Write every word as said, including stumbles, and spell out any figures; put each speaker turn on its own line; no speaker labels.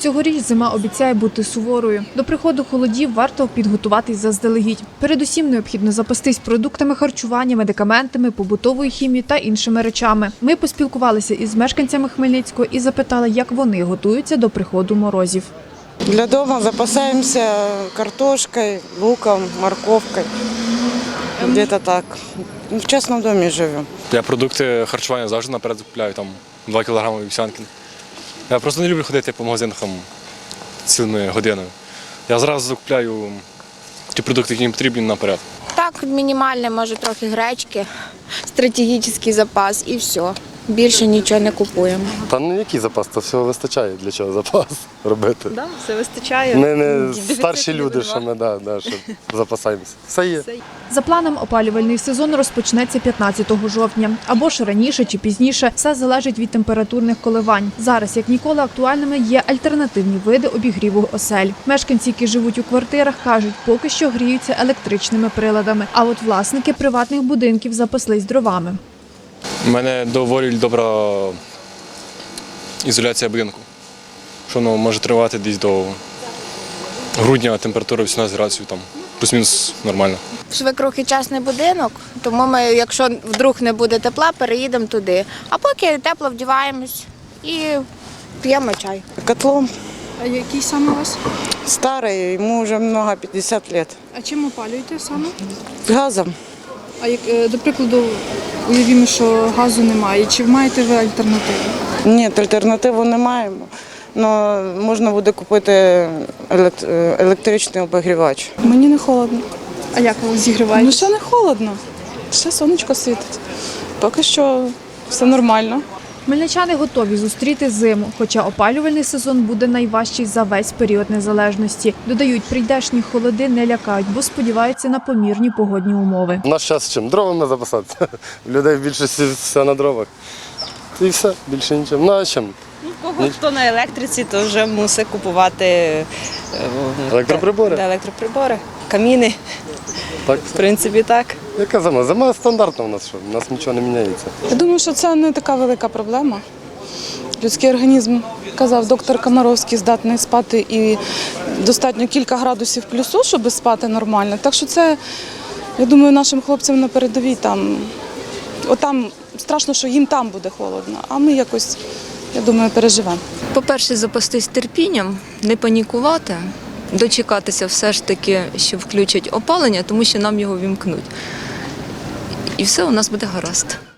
Цьогоріч зима обіцяє бути суворою. До приходу холодів варто підготуватись заздалегідь. Передусім необхідно запастись продуктами харчування, медикаментами, побутовою хімією та іншими речами. Ми поспілкувалися із мешканцями Хмельницького і запитали, як вони готуються до приходу морозів.
Для дома запасаемся картошкой, луком, морковкой. Где-то так. В частном доме живем.
Я продукти харчування завжди наперед купляю, там два кілограми вівсянки. Я просто не люблю ходити по магазинах там, цілими годинами. Я зразу закупляю ті продукти, які мені потрібні наперед.
Так, мінімальне, може трохи гречки, стратегічний запас і все. Більше нічого не купуємо.
Та ну який запас, то всього вистачає, для чого запас робити.
Да, все вистачає.
Ми не старші люди, що ми да, да, що запасаємося. Все є.
За планом, опалювальний сезон розпочнеться п'ятнадцятого жовтня. Або ж раніше чи пізніше. Все залежить від температурних коливань. Зараз, як ніколи, актуальними є альтернативні види обігріву осель. Мешканці, які живуть у квартирах, кажуть, поки що гріються електричними приладами. А от власники приватних будинків запаслись дровами.
У мене доволі добра ізоляція будинку, що воно може тривати десь до грудня, температура вісімнадцять градусів, там, плюс-мінус нормально.
Свекрухи частний будинок, тому ми, якщо вдруг не буде тепла, переїдемо туди. А поки тепло вдіваємось і п'ємо чай.
Котлом
А який саме у вас?
старый, ему уже много, пятьдесят лет.
А чим опалюєте саме?
Газом.
А як, е, до прикладу, уявімо, що газу немає. Чи маєте ви альтернативу?
Ні, альтернативу не маємо. Но можна буде купити елект- електричний обігрівач.
Мені не холодно.
А як ви зігріваєте?
Ну ще не холодно. Ще сонечко світить. Поки що все нормально.
Хмельничани готові зустріти зиму, хоча опалювальний сезон буде найважчий за весь період незалежності. Додають, прийдешні холоди не лякають, бо сподіваються на помірні погодні умови.
У нас час чим? Дровами запасатися. У людей в більшості все на дровах. І все, більше нічим. Ну а чим?
Кого хто на електриці, то вже мусить купувати е,
Електроприбори?
да, електроприбори, каміни.
Так.
В принципі, так.
Яка зима? Зима стандартна у нас, що у нас нічого не міняється.
Я думаю, що це не така велика проблема. Людський організм, казав доктор Комаровський, здатний спати і достатньо кілька градусів плюсу, щоб спати нормально. Так що це, я думаю, нашим хлопцям на передовій там, отам страшно, що їм там буде холодно, а ми якось, я думаю, переживемо.
По-перше, запастись терпінням, не панікувати, дочекатися все ж таки, що включать опалення, тому що нам його вімкнуть. І все у нас буде гаразд.